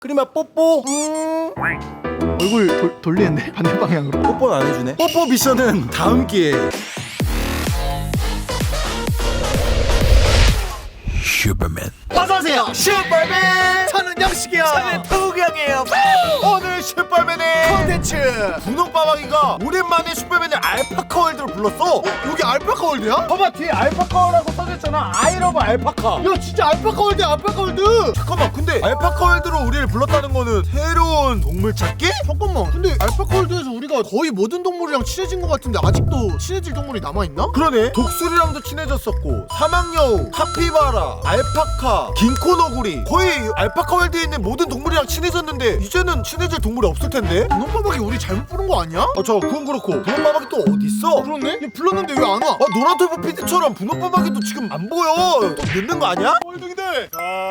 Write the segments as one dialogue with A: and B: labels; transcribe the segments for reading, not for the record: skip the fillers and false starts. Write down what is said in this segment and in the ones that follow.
A: 그림아 뽀뽀.
B: 얼굴 돌리는데 반대 방향으로.
A: 뽀뽀는 안 해주네. 뽀뽀 미션은 다음 기회에. 슈퍼맨. 어서오세요 슈퍼맨. 저는 영식이요. 저는 도경이에요. 오늘 슈퍼맨의 콘텐츠 분홍빠방이가 오랜만에 슈퍼맨의 알파카월드를 불렀어.
B: 여기 알파카월드야?
A: 봐봐 뒤에 알파카라고 써졌잖아. 아이러브 알파카.
B: 야 진짜 알파카월드야 알파카월드.
A: 잠깐만 근데 알파카월드로 우리를 불렀다는 거는 새로운 동물 찾기?
B: 잠깐만 근데 알파카월드에서 우리가 거의 모든 동물이랑 친해진 것 같은데 아직도 친해질 동물이 남아있나?
A: 그러네. 독수리랑도 친해졌었고 사막여우, 카피바라, 알파카, 긴코너구리 거의 알파카월드에 있는 모든 동물이랑 친해졌는데 이제는 친해질 동물이 없을 텐데?
B: 분홍바박이 우리 잘못 부른 거 아니야?
A: 저 그건 그렇고 분홍바박이 또 어딨어?
B: 그렇네? 얘 불렀는데 왜 안 와?
A: 노란털보 PD처럼 분홍바박이도 지금 안 보여. 또 늦는 거 아니야? 뻘둥이들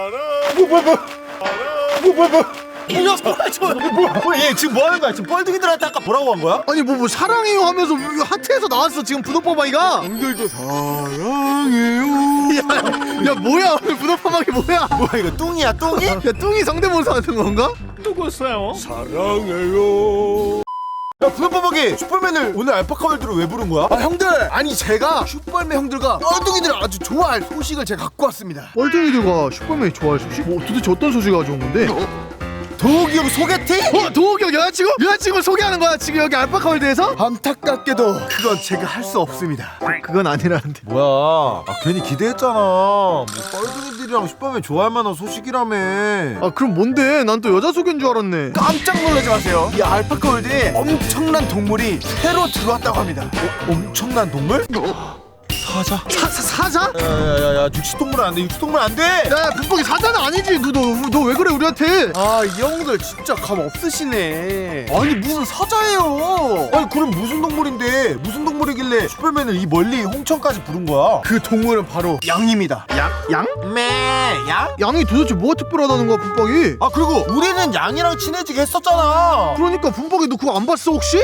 A: 이 녀석 뭐야 얘 지금 뭐 하는 거야? 지금 뻘둥이들한테 아까 뭐라고 한 거야?
B: 아니 뭐 사랑해요 하면서 하트에서 나왔어 지금 분홍바박이가.
A: 형들도 사랑해요.
B: 야 뭐야 오늘 분홍바박이 뭐야?
A: 뭐야 이거 뚱이야 뚱이?
B: 야 뚱이 성대모사 하는 건가?
A: 누구세요? 사랑해요. 야 분홍바박이 슈퍼맨을 오늘 알파카월드로 왜 부른 거야?
B: 형들 아니 제가 슈퍼맨 형들과 뻘둥이들을 아주 좋아할 소식을 제가 갖고 왔습니다. 뻘둥이들과 슈퍼맨이 좋아할 소식? 뭐 도대체 어떤 소식을 가져온 건데?
A: 도욱이 형 소개팅?
B: 도욱이 형 여자친구 소개하는 거야 지금 여기 알파카월드에서? 안타깝게도 그건 제가 할 수 없습니다. 그건 아니라는데.
A: 뭐야 괜히 기대했잖아. 뭐 뻘둥이들이랑 슈퍼맨 좋아할 만한 소식이라며.
B: 그럼 뭔데? 난 또 여자 소개인 줄 알았네.
C: 깜짝 놀라지 마세요. 이 알파카월드에 엄청난 동물이 새로 들어왔다고 합니다.
A: 엄청난 동물? 사자?
B: 사자?
A: 야야야야 육식동물 안돼. 육식동물 안돼.
B: 야 분봉이 사자는 아니지. 너 왜 그래 우리한테?
C: 이 형들 진짜 감 없으시네. 아니 무슨 사자예요.
A: 아니 그럼 무슨 동물인데 무슨 동물이길래 슈퍼맨을 이 멀리 홍천까지 부른 거야?
C: 그 동물은 바로 양입니다.
B: 양?
A: 양?
B: 양이 도대체 뭐가 특별하다는 거야 분봉이?
A: 그리고 우리는 양이랑 친해지게 했었잖아.
B: 그러니까 분봉이 너 그거 안 봤어 혹시?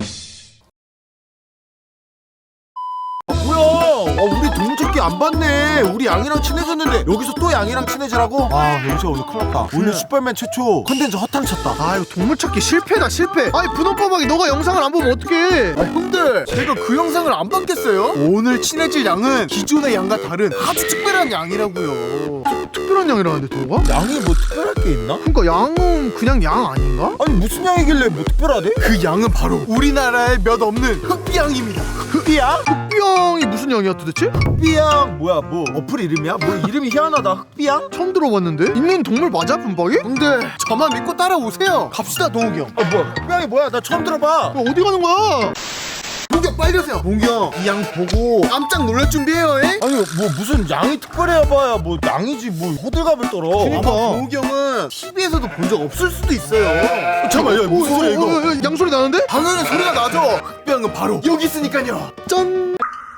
A: 뭐야 우리 동물 찾기 안 봤네. 우리 양이랑 친해졌는데 여기서 또 양이랑 친해지라고? 영시야 오늘 큰일 났다. 오늘 슈퍼맨 최초 컨텐츠 허탕 쳤다.
B: 이거 동물 찾기 실패다 실패. 분홍바박이 너가 영상을 안 보면 어떡해.
C: 형들 제가 그 영상을 안 봤겠어요? 오늘 친해질 양은 기존의 양과 다른 아주 특별한 양이라고요.
B: 특별한 양이라는데 도우가?
A: 양이 뭐 특별할 게 있나?
B: 그러니까 양은 그냥 양 아닌가?
A: 아니 무슨 양이길래 뭐 특별하대?
C: 그 양은 바로 우리나라에 몇 없는 흑비양입니다.
A: 흑비양?
B: 흑비양이 무슨 양이야 도대체?
A: 흑비양 뭐야 뭐 어플 이름이야? 뭐 이름이 희한하다. 흑비양?
B: 처음 들어봤는데? 있는 동물 맞아 분박이?
C: 형들 저만 믿고 따라오세요. 갑시다 동욱이 형.
A: 뭐야 흑비양이 뭐야? 나 처음 들어봐.
B: 어디 가는 거야?
C: 동욱이 형 빨리 오세요.
A: 동기 형
C: 이 양 보고 깜짝 놀랄 준비해요. 에?
A: 아니 뭐 무슨 양이 특별해야 봐야 뭐 양이지 뭐 호들갑을 떨어.
C: 아마 동욱이 형은 TV에서도 본 적 없을 수도 있어요.
A: 잠깐만 야 무슨 소리야 이거?
B: 양소리 나는데?
C: 당연히 소리가 나죠. 흑비양은 바로 여기 있으니까요.
B: 짠!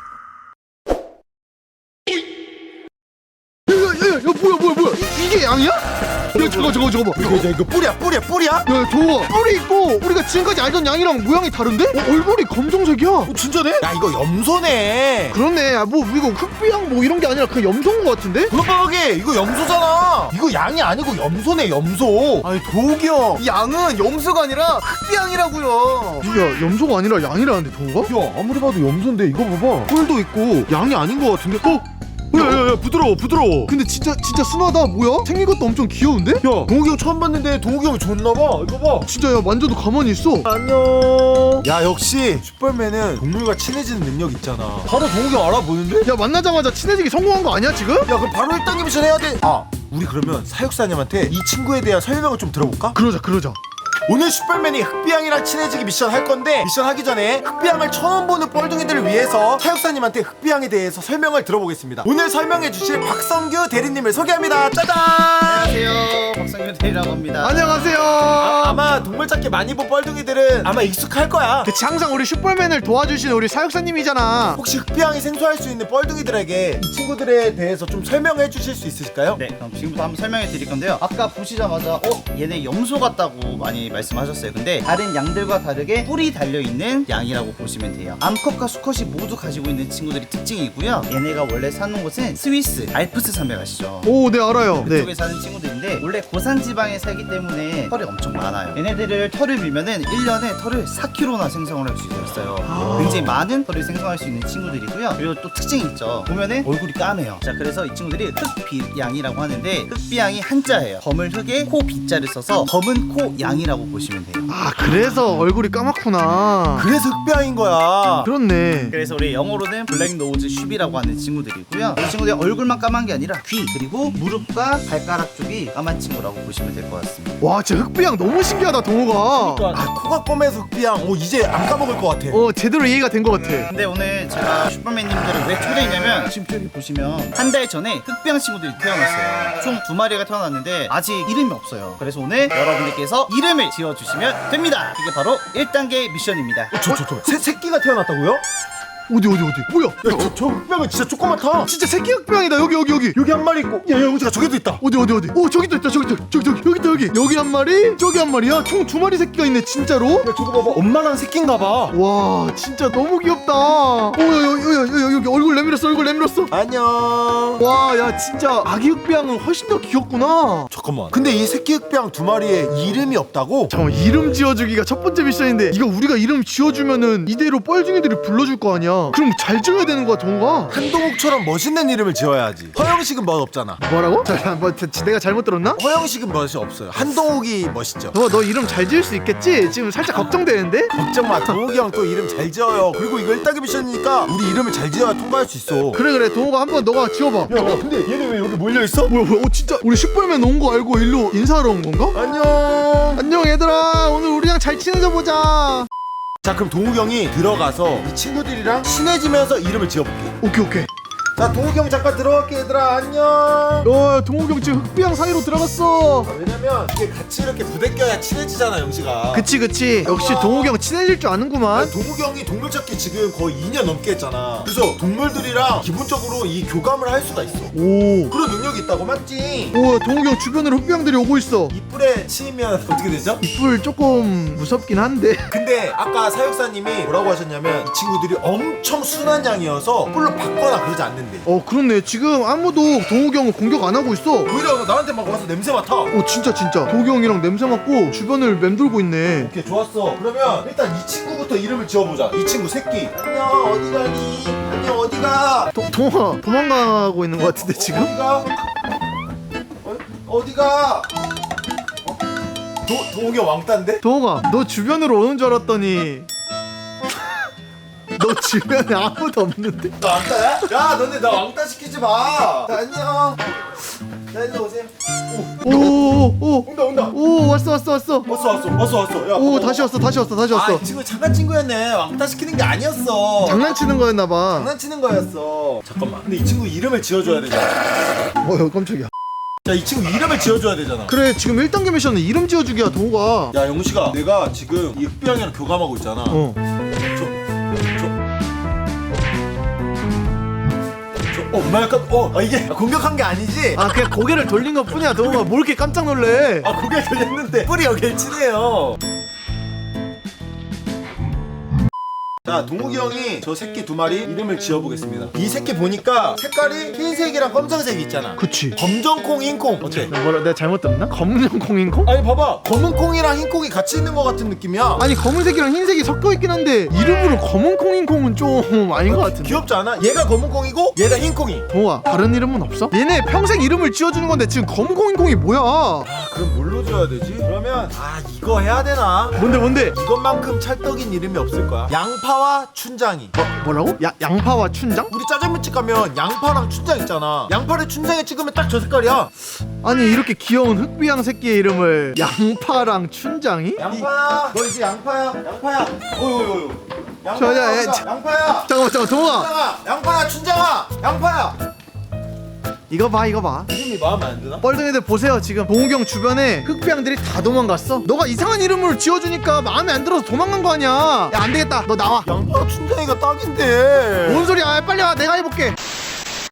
B: 야 뭐야 이게 양이야? 야 저거 봐.
A: 이거 뿌리야?
B: 야 저거 뿔이 있고 우리가 지금까지 알던 양이랑 모양이 다른데? 얼굴이 검정색이야.
A: 진짜네? 야 이거 염소네.
B: 그렇네. 뭐 이거 흑비양 뭐 이런 게 아니라 그냥 염소인 것 같은데?
A: 그거밖에 이거 염소잖아. 이거 양이 아니고 염소네 염소.
C: 아니 동욱이 형, 이 양은 염소가 아니라 흑비양이라고요.
B: 야 염소가 아니라 양이라는데 도우가?
A: 야 아무리 봐도 염소인데 이거 봐봐.
B: 뿔도 있고 양이 아닌 것 같은데?
A: 야야야 부드러워.
B: 근데 진짜 순하다. 뭐야? 생긴 것도 엄청 귀여운데?
A: 야 동욱이 형 처음 봤는데 동욱이 형이 좋나봐. 이거 봐.
B: 진짜 야 만져도 가만히 있어.
A: 안녕. 야 역시 슈퍼맨은 동물과 친해지는 능력 있잖아. 바로 동욱이 형 알아보는데?
B: 야 만나자마자 친해지기 성공한 거 아니야 지금?
A: 야 그럼 바로 1단계 미션 해야 돼. 우리 그러면 사육사님한테 이 친구에 대한 설명을 좀 들어볼까?
B: 그러자.
A: 오늘 슈퍼맨이 흑비양이랑 친해지기 미션 할 건데 미션 하기 전에 흑비양을 처음 보는 뻘둥이들을 위해서 사육사님한테 흑비양에 대해서 설명을 들어보겠습니다. 오늘 설명해 주실 박성규 대리님을 소개합니다. 짜잔!
C: 안녕하세요, 박성규 대리라고 합니다.
B: 안녕하세요.
A: 아마 동물 찾기 많이 본 뻘둥이들은 아마 익숙할 거야.
B: 그치 항상 우리 슈퍼맨을 도와주시는 우리 사육사님이잖아.
A: 혹시 흑비양이 생소할 수 있는 뻘둥이들에게 이 친구들에 대해서 좀 설명해 주실 수 있으실까요?
D: 네, 그럼 지금부터 한번 설명해 드릴 건데요. 아까 보시자마자 얘네 염소 같다고 많이 말씀하셨어요. 근데 다른 양들과 다르게 뿔이 달려있는 양이라고 보시면 돼요. 암컷과 수컷이 모두 가지고 있는 친구들이 특징이고요. 얘네가 원래 사는 곳은 스위스 알프스 산맥 아시죠?
B: 오, 네 알아요.
D: 그쪽에
B: 네.
D: 사는 친구들인데 원래 고산 지방에 살기 때문에 털이 엄청 많아요. 얘네들을 털을 밀면은 1년에 털을 4kg나 생성을 할 수 있어요. 굉장히 많은 털을 생성할 수 있는 친구들이고요. 그리고 또 특징이 있죠. 보면은 얼굴이 까매요. 자, 그래서 이 친구들이 흑비양이라고 하는데, 흑비양이 한자예요. 검을 흑에 코 비자를 써서 검은 코 양이라고 보시면 돼요.
B: 아 그래서 얼굴이 까맣구나.
A: 그래서 흑비양인 거야.
B: 그렇네.
D: 그래서 우리 영어로는 블랙 노즈 슈비라고 하는 친구들이고요. 이 친구들이 얼굴만 까만 게 아니라 귀 그리고 무릎과 발가락 쪽이 까만 친구라고 보시면 될 것 같습니다.
B: 와 진짜 흑비양 너무 신기하다 동호가.
A: 아, 코가 검해서 흑비양. 오, 이제 안 까먹을 것 같아.
B: 제대로 이해가 된 것 같아.
D: 근데 오늘 제가 슈퍼맨님들을 왜 초대했냐면, 지금 저기 보시면 한 달 전에 흑비양 친구들이 태어났어요. 총 2마리가 태어났는데 아직 이름이 없어요. 그래서 오늘 여러분들께서 이름을 지어주시면 됩니다. 이게 바로 1단계 미션입니다.
A: 새끼가 태어났다고요?
B: 어디 뭐야?
A: 야, 저 흑비양은 진짜 조그맣다.
B: 진짜 새끼 흑비양이다. 여기
A: 여기 한 마리 있고, 야, 영지가 저기도 있다.
B: 어디 오 저기도 있다. 저기 여기 한 마리 저기 한 마리야. 총 2마리 새끼가 있네 진짜로.
A: 야, 저거 봐봐. 엄마랑 새끼인가 봐.
B: 와 진짜 너무 귀엽다. 여기 얼굴 내밀었어.
A: 안녕.
B: 와 야 진짜 아기 흑비양은 훨씬 더 귀엽구나.
A: 잠깐만. 근데 이 새끼 흑비양 2마리에 이름이 없다고?
B: 잠깐만 이름 지어주기가 첫 번째 미션인데 이거 우리가 이름 지어주면은 이대로 뻘둥이들이 불러줄 거 아니야. 그럼 잘 지어야 되는 거야 동호가.
A: 한동욱처럼 멋있는 이름을 지어야지. 허영식은 멋 없잖아.
B: 뭐라고? 내가 잘못 들었나?
A: 허영식은 멋이 없어요. 한동욱이 멋있죠.
B: 너 이름 잘 지을 수 있겠지? 지금 살짝 걱정되는데?
A: 걱정 마. 동욱이 형 또 이름 잘 지어요. 그리고 이거 1단계 미션이니까 우리 이름을 잘 지어야 통과할 수 있어.
B: 그래 동호가 한번 너가 지어봐.
A: 야, 근데 얘네 왜 여기 몰려있어?
B: 뭐야 진짜 우리 슈퍼맨 온 거 알고 일로 인사하러 온 건가?
A: 안녕.
B: 얘들아 오늘 우리랑 잘 지내자 보자.
A: 자, 그럼 동욱이 형이 들어가서 이 친구들이랑 친해지면서 이름을 지어볼게.
B: 오케이.
A: 자, 동욱이 형 잠깐 들어갈게. 얘들아 안녕.
B: 동호이 형 지금 흑비양 사이로 들어갔어.
A: 왜냐면 이게 같이 이렇게 부대껴야 친해지잖아, 영식아.
B: 그치 역시 동호이 형 친해질 줄 아는구만.
A: 동욱이 형이 동물 찾기 지금 거의 2년 넘게 했잖아. 그래서 동물들이랑 기본적으로 이 교감을 할 수가 있어.
B: 오
A: 그런 능력이 있다고, 맞지?
B: 동호이 형 주변으로 흑비양들이 오고 있어.
A: 이 뿔에 치이면 어떻게 되죠?
B: 이뿔 조금 무섭긴 한데.
A: 근데 아까 사육사님이 뭐라고 하셨냐면 이 친구들이 엄청 순한 양이어서 뿔로 받거나 그러지 않는데.
B: 그렇네. 지금 아무도 동호이 형을 공격 안 하고 있어.
A: 오히려 나한테 막 와서 냄새 맡아.
B: 진짜 동호이 형이랑 냄새 맡고 주변을 맴돌고 있네.
A: 오케이, 좋았어. 그러면 일단 이 친구부터 이름을 지어보자. 이 친구 새끼. 안녕, 어디 가니? 안녕, 어디가?
B: 동호가 도망가고 있는 것 같은데 지금?
A: 어디가? 어디가? 동욱이 형 왕따인데?
B: 동호가 너 주변으로 오는 줄 알았더니 너 주변에 아무도 없는데?
A: 너 왕따야? 야, 너네 나 왕따 시키지 마. 자, 안녕. 자, 이제 오세요. 온다.
B: 오 왔어.
A: 왔어. 야,
B: 오 다시 왔어.
A: 아, 이 친구 잠깐 친구였네. 왕따 시키는 게 아니었어.
B: 장난치는 거였나봐.
A: 장난치는 거였어. 잠깐만. 근데 이 친구 이름을 지어줘야 되잖아.
B: 깜짝이야.
A: 자, 이 친구 이름을 지어줘야 되잖아.
B: 그래 지금 1단계 미션은 이름 지어주기야 동호가.
A: 야, 영식아, 내가 지금 이 흑비양이랑 교감하고 있잖아. 엄마 약간 이게 공격한 게 아니지?
B: 그냥 고개를 돌린 것 뿐이야 동호가. 뭘 이렇게 깜짝 놀래.
A: 고개 돌렸는데 뿔이 여길 치네요. 자, 동욱이 형이 저 새끼 2마리 이름을 지어보겠습니다. 이 새끼 보니까 색깔이 흰색이랑 검정색이 있잖아.
B: 그치.
A: 검정콩, 흰콩. 어때?
B: 내가 잘못 들었나? 검은 콩인콩?
A: 아니, 봐봐. 검은 콩이랑 흰 콩이 같이 있는 것 같은 느낌이야.
B: 아니 검은색이랑 흰색이 섞여 있긴 한데 이름으로 검은 콩인콩은 좀 아닌 것 같은데.
A: 귀엽지 않아? 얘가 검은 콩이고 얘가 흰 콩이.
B: 동호아 다른 이름은 없어? 얘네 평생 이름을 지어주는 건데 지금 검은 콩인콩이 뭐야?
A: 그럼 뭘로 지어야 되지? 그러면 이거 해야 되나?
B: 뭔데?
A: 이것만큼 찰떡인 이름이 없을 거야. 양파와 춘장이.
B: 뭐라고? 양파와 춘장?
A: 우리 짜장면집 가면 양파랑 춘장 있잖아. 양파를 춘장에 찍으면 딱 저 색깔이야.
B: 아니 이렇게 귀여운 흑비양 새끼의 이름을 양파랑 춘장이?
A: 양파야, 너 이제 양파야. 어유.
B: 자,
A: 양파야.
B: 잠깐만 동호아
A: 양파야, 춘장아. 양파야.
B: 이거 봐
A: 이름이 마음에 안 드나?
B: 뻘둥이들 보세요. 지금 동욱이 형 주변에 흑비양들이 다 도망갔어. 너가 이상한 이름을 지어주니까 마음에 안 들어서 도망간 거 아니야. 야 안되겠다 너 나와.
A: 양파 춘장이가 딱인데.
B: 뭔 소리야. 빨리 와 내가 해볼게.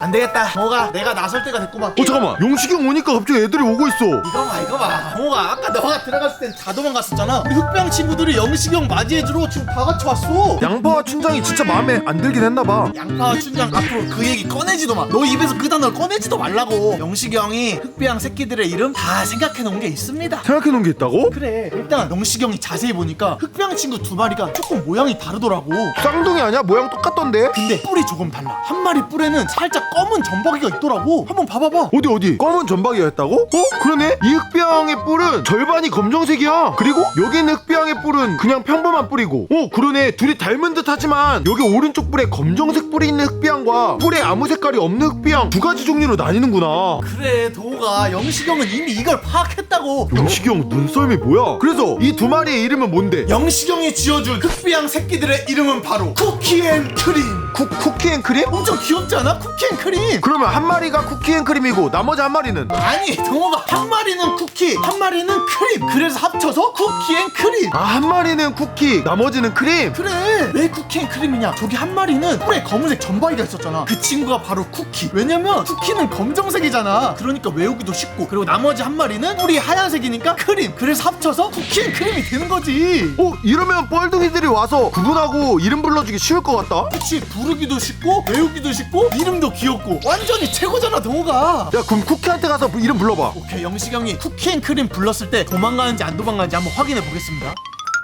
C: 안 되겠다. 동호가 내가 나설 때가 됐구만.
B: 잠깐만, 용식이 형 오니까 갑자기 애들이 오고 있어.
C: 이거 봐. 동호가 아까 너가 들어갔을 땐 다 도망갔었잖아. 우리 흑병 친구들이 영식이 형 맞이해주러 지금 다 같이 왔어.
A: 양파와 춘장이 진짜 마음에 안 들긴 했나봐.
C: 양파와 춘장 앞으로 그 얘기 꺼내지도 마. 너 입에서 그 단어를 꺼내지도 말라고. 영식이 형이 흑비양 새끼들의 이름 다 생각해놓은 게 있습니다.
A: 생각해놓은 게 있다고?
C: 그래. 일단 영식이 형이 자세히 보니까 흑비양 친구 두 마리가 조금 모양이 다르더라고.
A: 쌍둥이 아니야? 모양 똑같던데?
C: 근데 뿔이 조금 달라. 한 마리 뿔에는 살짝 검은 점박이가 있더라고. 한번 봐봐봐.
A: 어디? 검은 점박이였다고? 그러네? 이 흑비양의 뿔은 절반이 검정색이야. 그리고 여기 있는 흑비양의 뿔은 그냥 평범한 뿔이고, 그러네. 둘이 닮은 듯 하지만 여기 오른쪽 뿔에 검정색 뿔이 있는 흑비양과 뿔에 아무 색깔이 없는 흑비양 두 가지 종류로 나뉘는구나.
C: 그래 동호가 영식이 형은 이미 이걸 파악했다고.
A: 영식이 형 눈썰미 뭐야? 그래서 이 두 마리의 이름은 뭔데?
C: 영식이 형이 지어준 흑비양 새끼들의 이름은 바로 쿠키앤크림.
A: 쿠키앤크림?
C: 엄청 귀엽지 않아? 쿠키앤크림.
A: 그러면 한 마리가 쿠키앤크림이고 나머지 한 마리는?
C: 아니 동호가 한 마리는 쿠키 한 마리는 크림, 그래서 합쳐서 쿠키앤크림.
A: 한 마리는 쿠키, 나머지는 크림?
C: 그래. 왜 쿠키앤크림이냐? 저기 한 마리는 뿔에 검은색 점박이가 있었잖아. 그 친구가 바로 쿠키. 왜냐면 쿠키는 검정색이잖아. 그러니까 외우기도 쉽고, 그리고 나머지 한 마리는 뿔이 하얀색이니까 크림, 그래서 합쳐서 쿠키앤크림이 되는 거지.
A: 이러면 뻘둥이들이 와서 구분하고 이름 불러주기 쉬울 것 같다?
C: 그치. 부르기도 쉽고 외우기도 쉽고 이름도 귀엽고 완전히 최고잖아 동호가.
A: 야, 그럼 쿠키한테 가서 이름 불러봐.
C: 오케이. 영식이 형이 쿠키앤크림 불렀을 때 도망가는지 안 도망가는지 한번 확인해 보겠습니다.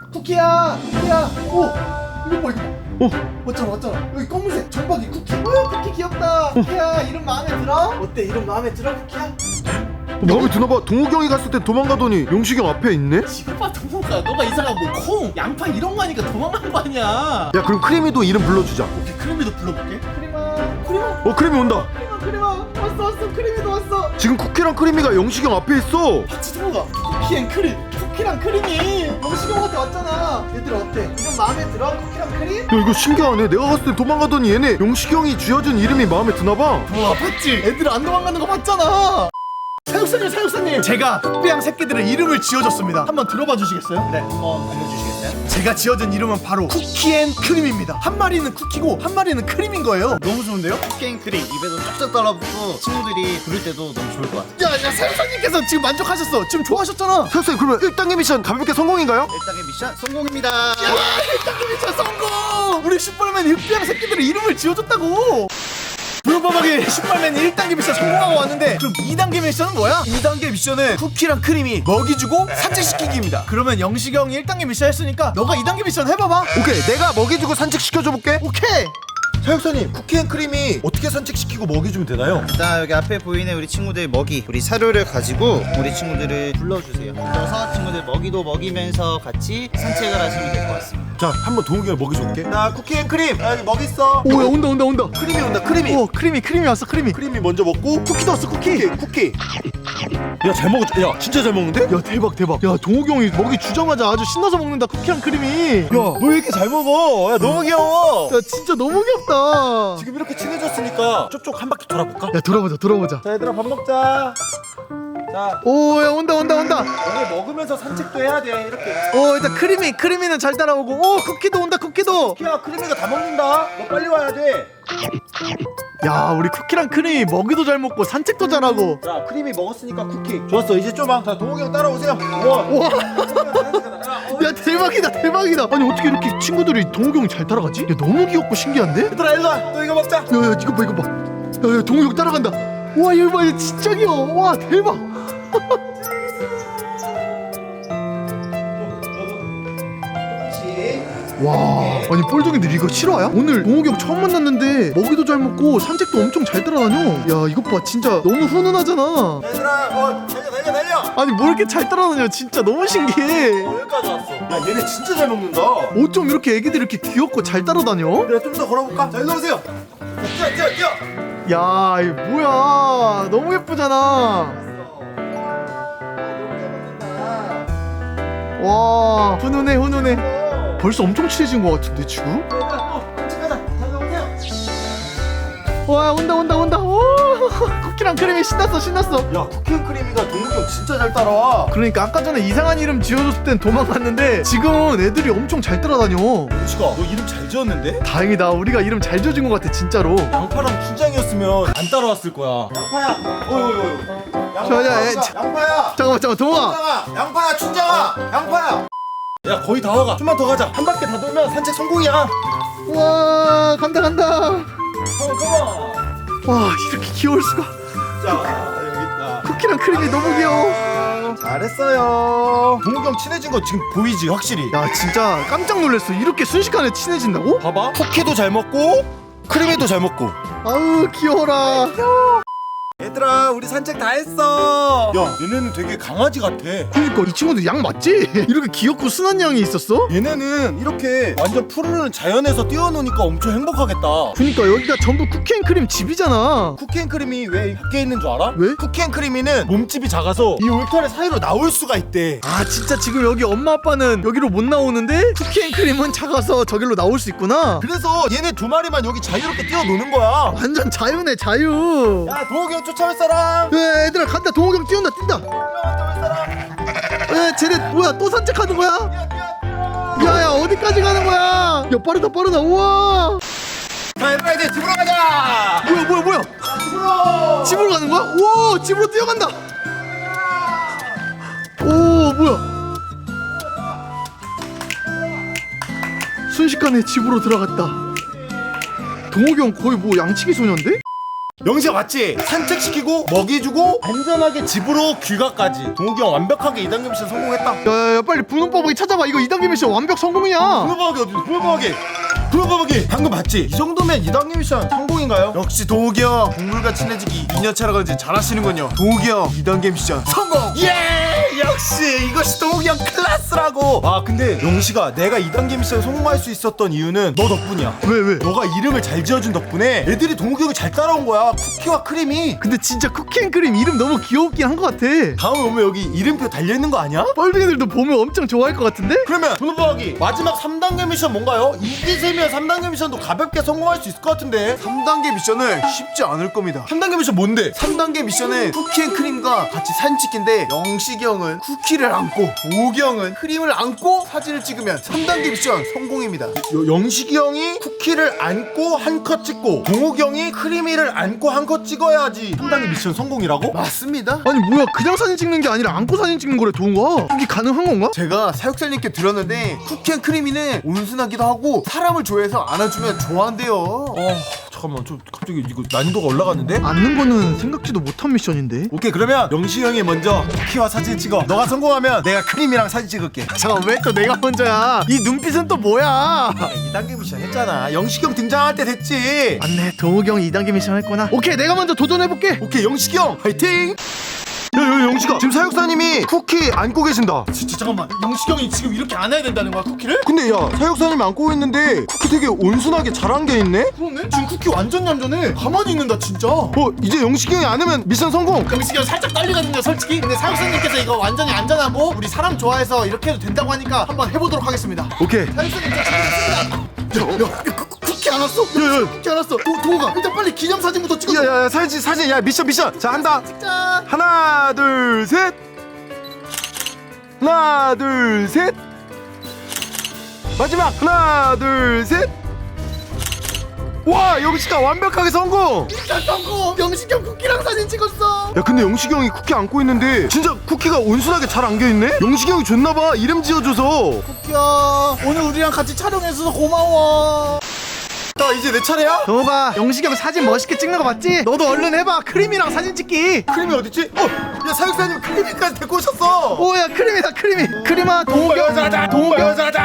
C: 쿠키야. 오, 이거 봐 이거. 왔잖아. 여기 검은색 점박이 쿠키. 쿠키 귀엽다. 쿠키야, 이름 마음에 들어? 어때? 이름 마음에 들어 쿠키야?
A: 마음에 드나봐. 동욱이 형이 갔을 때 도망가더니 용식이 형 앞에 있네?
C: 지금 봐 동호가, 너가 이상한 뭐 콩, 양파 이런 거 하니까 도망간 거 아니야.
A: 야, 그럼 크림이도 이름 불러주자.
C: 오케이. 크림이도 불러볼게. 크림아.
A: 크림이 온다.
C: 크림아 왔어. 크림이도 왔어.
A: 지금 쿠키랑 크림이가 용식이 형 앞에 있어.
C: 같이 동호가 쿠키앤크림. 쿠키랑 크림이 영식이 형한테 왔잖아. 얘들 어때? 이름 마음에 들어? 쿠키랑 크림?
A: 야, 이거 신기하네. 내가 갔을 때 도망가더니 얘네 용식이 형이 지어준 이름이 마음에 드나봐.
C: 와, 봤지? 애들 안 도망가는 거 봤잖아. 사육사님, 제가 흑비양 새끼들의 이름을 지어줬습니다. 한번 들어봐 주시겠어요?
D: 네, 한번 알려주시겠어요?
C: 제가 지어준 이름은 바로 쿠키앤크림입니다. 한 마리는 쿠키고 한 마리는 크림인 거예요. 너무 좋은데요?
D: 쿠키앤크림 입에도 쫙쫙 달라붙고 친구들이 부를 때도 너무 좋을 것 같아요.
C: 야, 사육사님께서 지금 만족하셨어. 지금 좋아하셨잖아.
A: 선생님, 그러면 1단계 미션 가볍게 성공인가요?
D: 1단계 미션 성공입니다.
C: 야, 1단계 미션 성공! 우리 슈퍼맨이 흑비양 새끼들의 이름을 지어줬다고. 불법하게 슈퍼맨이 1단계 미션 성공하고 왔는데, 그럼 2단계 미션은 뭐야? 2단계 미션은 쿠키랑 크림이 먹이 주고 산책시키기입니다. 그러면 영식이 형이 1단계 미션 했으니까 너가 2단계 미션 해봐봐.
A: 오케이, 내가 먹이 주고 산책시켜줘 볼게.
C: 오케이.
A: 사육사님, 쿠키앤크림이 어떻게 산책시키고 먹이 주면 되나요?
D: 일단 여기 앞에 보이는 우리 친구들 먹이, 우리 사료를 가지고 우리 친구들을 불러주세요. 불러서 친구들 먹이도 먹이면서 같이 산책을 하시면 될 것 같습니다.
A: 자, 한번 동욱이 형 먹이 줄게. 나 쿠키앤크림, 여기 먹이 있어.
C: 오, 야, 온다.
A: 크림이 온다. 크림이.
C: 오, 크림이 왔어. 크림이
A: 먼저 먹고 쿠키도 왔어. 쿠키. 야, 잘 먹었다. 야, 진짜 잘 먹는데?
C: 야, 대박. 야, 동욱이 형이 먹이 주자마자 아주 신나서 먹는다. 쿠키랑 크림이.
A: 야, 너 왜 이렇게 잘 먹어? 야, 너무 귀여워.
C: 야, 진짜 너무 귀엽다.
A: 지금 이렇게 친해졌으니까 쪽쪽 한 바퀴 돌아볼까?
C: 야, 돌아보자.
A: 자, 얘들아 밥 먹자. 자,
C: 오, 야, 온다.
A: 여기 먹으면서 산책도 해야 돼. 이렇게.
C: 일단 크림이는 잘 따라오고. 오, 쿠키도 온다.
A: 쿠키야, 크림이가 다 먹는다. 너 빨리 와야 돼.
C: 야, 우리 쿠키랑 크림이 먹이도 잘 먹고 산책도 잘하고.
A: 자, 크림이 먹었으니까 쿠키. 좋았어. 이제 좀만. 자, 동욱이 형 따라오세요. 와.
C: 야, 대박이다. 아니, 어떻게 이렇게 친구들이 동욱이 형 잘 따라가지? 야, 너무 귀엽고 신기한데?
A: 얘들아, 일로 와. 너 이거 먹자.
C: 야, 이거 봐. 야, 동욱이 형 따라간다. 와, 이거 봐. 이거 진짜 귀여워. 와, 대박. 와, 아니 뻘둥이들 이거 실화야? 오늘 동욱이 형 처음 만났는데 먹이도 잘 먹고 산책도 엄청 잘 따라다녀. 야, 이것 봐. 진짜 너무 훈훈하잖아.
A: 얘들아, 달려.
C: 아니 뭐 이렇게 잘 따라다녀. 진짜 너무 신기해.
A: 여기까지 왔어. 야, 얘네 진짜 잘 먹는다.
C: 어쩜 이렇게 애기들 이렇게 귀엽고 잘 따라다녀?
A: 내가 좀 더 걸어볼까? 자, 일로 오세요. 뛰어.
C: 야, 이거 뭐야. 너무 예쁘잖아. 와, 훈훈해. 벌써 엄청 친해진 것 같은데 지금?
A: 가자. 달려오세요.
C: 와, 온다. 오,
B: 쿠키랑 크림이 신났어.
A: 야 쿠키 크림이가 동욱이 형 진짜 잘 따라와.
B: 그러니까 아까 전에 이상한 이름 지어줬을 땐 도망갔는데 지금은 애들이 엄청 잘 따라다녀.
A: 영식아 너 이름 잘 지었는데?
B: 다행이다. 우리가 이름 잘 지어준 것 같아 진짜로.
A: 양파랑 춘장이었으면 안 따라왔을 거야. 양파야. 양파야.
B: 잠깐만 동아.
A: 춘장아. 양파야 춘장아. 양파야. 야 거의 다 와가. 좀만 더 가자. 한 바퀴 다 돌면 산책 성공이야.
B: 와 간다.
A: 컴온.
B: 와 이렇게 귀여울 수가.
A: 자 여기 있다.
B: 쿠키랑 크림이 너무 귀여워.
A: 잘했어요. 동욱이 형 친해진 거 지금 보이지 확실히.
B: 야 진짜 깜짝 놀랐어. 이렇게 순식간에 친해진다고?
A: 봐봐. 쿠키도 잘 먹고 크림이도 잘 먹고.
B: 아우 귀여워라.
A: 얘들아 우리 산책 다 했어. 야 얘네는 되게 강아지 같아.
B: 그러니까 이 친구들 양 맞지? 이렇게 귀엽고 순한 양이 있었어?
A: 얘네는 이렇게 완전 푸르른 자연에서 뛰어노니까 엄청 행복하겠다.
B: 그러니까 여기가 전부 쿠키앤크림 집이잖아.
A: 쿠키앤크림이 왜 밖에 있는 줄 알아?
B: 왜?
A: 쿠키앤크림이는 몸집이 작아서 이 울타리 사이로 나올 수가 있대.
B: 아 진짜 지금 여기 엄마 아빠는 여기로 못 나오는데 쿠키앤크림은 작아서 저길로 나올 수 있구나.
A: 그래서 얘네 두 마리만 여기 자유롭게 뛰어노는 거야.
B: 완전 자유네 자유.
A: 야 동욱이 형 쫓아올 사람.
B: 야 얘들아 간다. 동욱이 형 뛴다.
A: 쫓아올 사람.
B: 야 쟤네 뭐야 또 산책하는 거야?
A: 뛰어.
B: 야야 어디까지 가는 거야? 야 빠르다 우와.
A: 자 얘들아 이제 집으로 가자.
B: 뭐야
A: 집으로.
B: 집으로 가는 거야? 우와 집으로 뛰어간다. 오 뭐야 순식간에 집으로 들어갔다. 동욱이 형 거의 뭐 양치기 소년데?
A: 영시가 맞지? 산책시키고 먹이주고 안전하게 집으로 귀가까지. 동욱이 형 완벽하게 2단계 미션 성공했다.
B: 야야야 빨리 분홍바보기 찾아봐. 이거 2단계 미션 완벽 성공이야.
A: 불어박이 어디? 불어박이 방금 봤지? 이 정도면 2단계 미션 성공인가요? 역시 동욱이 형 동물과 친해지기 2년차라 그런지 잘하시는군요. 동욱이 형 2단계 미션 성공! 예! 역시 이것이 동욱이 형 클래스라고. 아 근데 영시가 내가 2단계 미션 성공할 수 있었던 이유는 너 덕분이야.
B: 왜?
A: 너가 이름을 잘 지어준 덕분에 애들이 동욱이 형을 잘 따라온 거야. 쿠키와 크림이.
B: 근데 진짜 쿠키앤크림 이름 너무 귀엽긴 한 것 같아.
A: 다음에 오면 여기 이름표 달려있는 거 아니야?
B: 뻘둥이들도 보면 엄청 좋아할 것 같은데?
A: 그러면 분홍박이 마지막 3단계 미션 뭔가요? 이기세면 3단계 미션도 가볍게 성공할 수 있을 것 같은데.
C: 3단계 미션은 쉽지 않을 겁니다.
A: 3단계 미션 뭔데?
C: 3단계 미션은 쿠키앤크림과 같이 사진 찍기인데 영식이 형은 쿠키를 안고 도욱이 형은 크림을 안고 사진을 찍으면 3단계 미션 성공입니다.
A: 영식이 형이 쿠키를 안고 한 컷 찍고 동욱이 형이 크리미를 안고 한 컷 찍어야지 3단계 미션 성공이라고?
C: 맞습니다.
B: 아니 뭐야 그냥 사진 찍는 게 아니라 안고 사진 찍는 거래 동우가. 이게 가능한 건가?
C: 제가 사육사님께 들었는데 쿠키앤크림이는 온순하기도 하고 사람을 좋아해서 안아주면 좋아한대요.
A: 잠깐만 좀 갑자기 이거 난이도가 올라갔는데?
B: 안는 거는 생각지도 못한 미션인데.
A: 오케이 그러면 영식이 형이 먼저 쿠키와 사진 찍어. 너가 성공하면 내가 크림이랑 사진 찍을게.
B: 잠깐 왜 또 내가 먼저야? 이 눈빛은 또 뭐야?
A: 2단계 미션 했잖아. 영식이 형 등장할 때 됐지.
B: 맞네 동욱이 형이 2단계 미션 했구나. 오케이 내가 먼저 도전해볼게.
A: 오케이 영식이 형 화이팅! 야 영식아 지금 사육사님이 쿠키 안고 계신다.
C: 진짜 잠깐만 영식이 형이 지금 이렇게 안아야 된다는 거야 쿠키를?
A: 근데 야 사육사님이 안고 있는데 쿠키 되게 온순하게 잘 안겨있네?
C: 그러네? 지금 쿠키 완전 얌전해. 가만히 있는다 진짜.
A: 이제 영식이 형이 안으면 미션 성공.
C: 영식이 형 살짝 떨리거든요 솔직히. 근데 사육사님께서 이거 완전히 안전하고 우리 사람 좋아해서 이렇게 해도 된다고 하니까 한번 해보도록 하겠습니다.
A: 오케이.
C: 사육사님 저 준비됐습니다. 쿠키 안 왔어? 쿠키 안 왔어. 동호가 일단 빨리 기념사진부터 찍어.
A: 야야야 사진 야 미션 자 한다.
C: 짠.
A: 하나 둘 셋. 하나 둘 셋. 마지막 하나 둘 셋. 와 영식아 완벽하게 성공.
C: 짠 성공. 영식이 형 쿠키랑 사진 찍었어.
A: 야 근데 영식이 형이 쿠키 안고 있는데 진짜 쿠키가 온순하게 잘 안겨있네? 영식이 형이 줬나봐 이름 지어줘서.
C: 쿠키야 오늘 우리랑 같이 촬영해줘서 고마워.
A: 자 이제 내 차례야?
B: 동욱아 영식이 형 사진 멋있게 찍는 거 맞지? 너도 얼른 해봐. 크림이랑 사진 찍기.
A: 크림이 어딨지? 야 사육사님 크림이까지 데리고 오셨어.
B: 오야 크림이다 크림이. 크림아 동욱이 형
A: 여자다 동욱이 여자다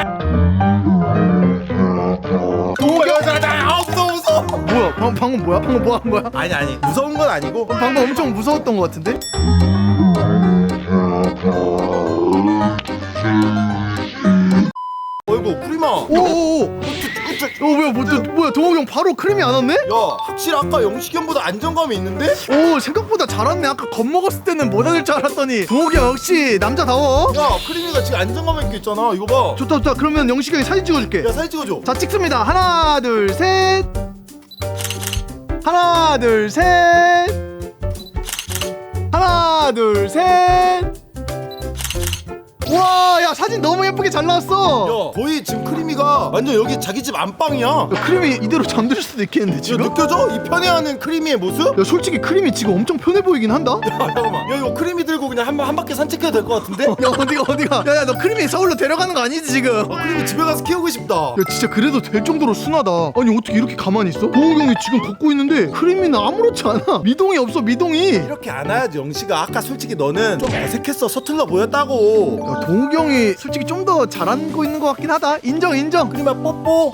A: 동욱이 여자다. 아 무서워.
B: 뭐야 방금 뭐야? 방금 뭐 한 거야?
A: 아니 무서운 건 아니고.
B: 방금 엄청 무서웠던 것 같은데?
A: 어이구 크림아.
B: 오오오. 뭐야 동욱이 형 바로 크림이 안 왔네?
A: 야 확실히 아까 영식이 형보다 안정감이 있는데?
B: 오 생각보다 잘 왔네. 아까 겁먹었을 때는 못 얻을 줄 알았더니 동욱이 형 역시 남자다워.
A: 야 크림이가 지금 안정감 있게 있잖아. 이거 봐.
B: 좋다 그러면 영식이 형이 사진 찍어줄게.
A: 야 사진 찍어줘.
B: 자 찍습니다. 하나 둘 셋. 하나 둘 셋. 하나 둘 셋. 와, 야 사진 너무 예쁘게 잘 나왔어.
A: 야 거의 지금 크리미가 완전 여기 자기 집 안방이야.
B: 야, 크림이 이대로 잠들 수도 있겠는데
A: 야,
B: 지금?
A: 느껴져? 이 편애하는 크리미의 모습?
B: 야 솔직히 크림이 지금 엄청 편해 보이긴 한다.
A: 야 잠깐만. 야 이거 크리미 들고 그냥 한 바퀴 산책해도 될 것 같은데?
B: 야 어디가? 야야 너 크림이 서울로 데려가는 거 아니지 지금?
A: 크리미 집에 가서 키우고 싶다.
B: 야 진짜 그래도 될 정도로 순하다. 아니 어떻게 이렇게 가만히 있어? 동욱이 형이 지금 걷고 있는데 크림이는 아무렇지 않아. 미동이 없어 미동이.
A: 이렇게 안 와야지 영식아. 아까 솔직히 너는 좀 어색했어. 서툴러 보였다고.
B: 야 동욱이 형이 솔직히 좀 더 잘하고 있는 것 같긴 하다. 인정.
A: 크리미야 뽀뽀.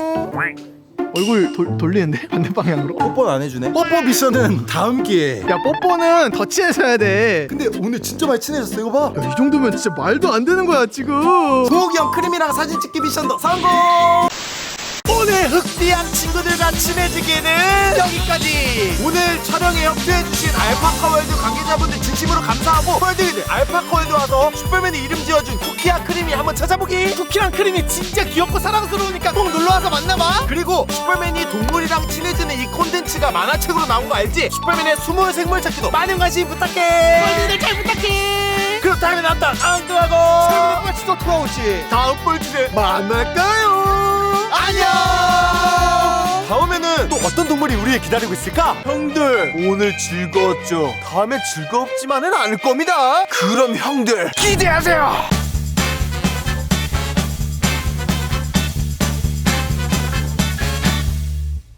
B: 얼굴 돌리는데 반대 방향으로.
A: 뽀뽀는 안 해주네. 뽀뽀 미션은 다음 기회에.
B: 야 뽀뽀는 더 친해서 해야 돼.
A: 근데 오늘 진짜 많이 친해졌어. 이거 봐.
B: 야, 이 정도면 진짜 말도 안 되는 거야 지금.
A: 동욱이 형 크리미랑 사진 찍기 미션도 성공. 오늘 흑비양 친구들과 친해지기는 여기까지. 오늘 촬영에 협조해주신 알파카월드 관계자분들 진심으로 감사하고, 펄드기들 알파카월드 와서 슈퍼맨이 이름 지어준 쿠키와 크림이 한번 찾아보기.
C: 쿠키랑 크림이 진짜 귀엽고 사랑스러우니까 꼭 놀러와서 만나봐.
A: 그리고 슈퍼맨이 동물이랑 친해지는 이 콘텐츠가 만화책으로 나온 거 알지? 슈퍼맨의 숨은 생물 찾기도 많은 관심 부탁해.
C: 펄드기들 잘 부탁해.
A: 그럼 다음에 나왔다 앙두하고
C: 펄드기들 빠치도 돌아오지.
A: 다음 뻘주에 만날까요?
C: 안녕.
A: 다음에는 또 어떤 동물이 우리를 기다리고 있을까?
C: 형들 오늘 즐거웠죠? 다음에 즐겁지만은 않을 겁니다. 그럼 형들 기대하세요.